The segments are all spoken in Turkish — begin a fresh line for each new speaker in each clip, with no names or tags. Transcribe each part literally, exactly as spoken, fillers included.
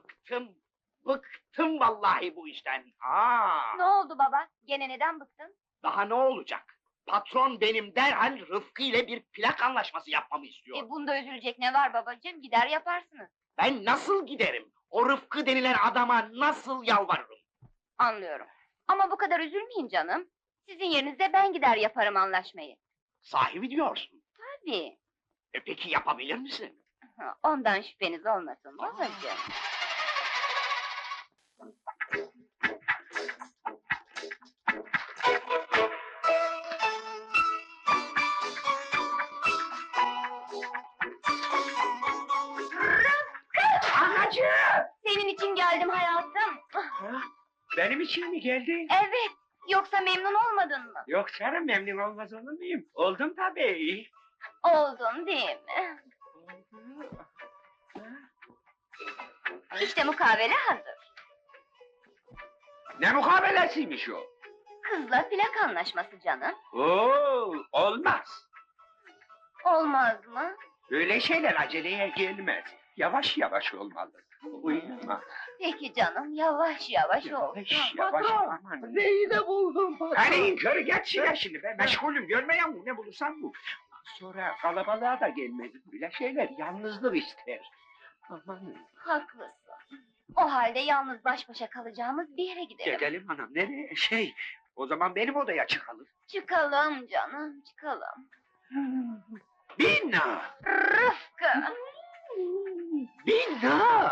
bıktım, bıktım vallahi bu işten. Aa,
Ne oldu baba? Gene neden bıktın?
daha ne olacak? Patron benim derhal Rıfkı ile bir plak anlaşması yapmamı istiyor.
E bunda üzülecek ne var babacığım? Gider yaparsınız.
Ben nasıl giderim? O Rıfkı denilen adama nasıl yalvarırım?
Anlıyorum. Ama bu kadar üzülmeyin canım. Sizin yerinizde ben gider yaparım anlaşmayı.
Sahibi diyorsun.
Tabii.
E peki yapabilir misin?
Ha, ondan şüpheniz olmasın babacığım.
Anacığım!
Senin için geldim hayatım.
Ha? Benim için mi geldin?
Evet. Yoksa memnun olmadın mı?
Yok canım, memnun olmaz olur muyum? Oldum tabii.
Oldun değil mi? İşte mukavele hazır.
Ne mukabelesiymiş o?
Kızla plak anlaşması canım.
Oo, olmaz.
Olmaz mı?
Böyle şeyler aceleye gelmez. Yavaş yavaş olmalı. Uyuma.
Peki canım, yavaş yavaş olsun.
Yavaş yavaş.
Patron!
Aman.
Neyi de buldum patron?
Hadi yukarı geç şuraya şimdi be. Meşgulüm, görmeyen mi? Ne bulursan bul. Sonra kalabalığa da gelmez. Böyle şeyler yalnızlık ister. Aman.
Haklısın. O halde yalnız baş başa kalacağımız bir yere gidelim.
Gidelim hanım. Nereye? Şey, o zaman benim odaya çıkalım.
Çıkalım canım, çıkalım.
Bina!
Rıfkı!
Bina!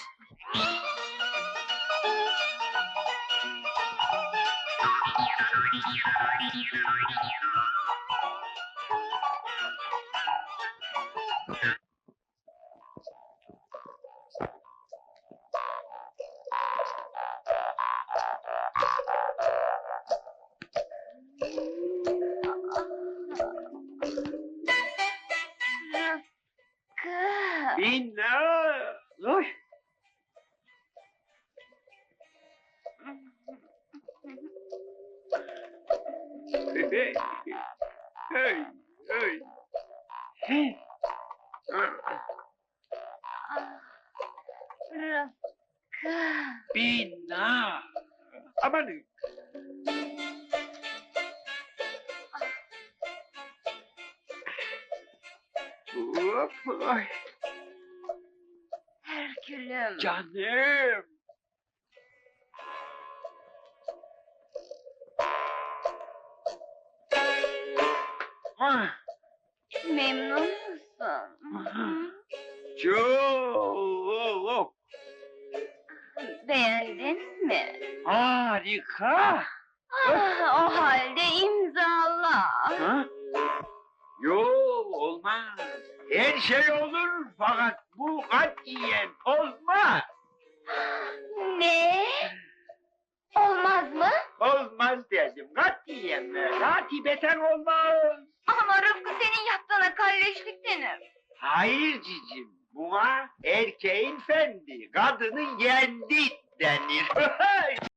Rıfkı!
Bina! Oy! Hey! Hey! Hey! Hey!
Ah, Rıfkı!
Bina! Aman! Hop! Ay!
Herkülüm!
Canım! Ah!
Memnun musun? Hı?
Çok!
Beğendin mi?
Harika!
Ah, o halde imzala.
Ha? Yo, olmaz. Her şey olur fakat bu katiyen olmaz.
Ne? Olmaz mı?
Olmaz dedim, katiyen ve katibeten olmaz.
Ama Rıfkı senin yaptığına kalleşlik denir.
Hayır cicim, buna erkeğin fendi, kadının yendi denir.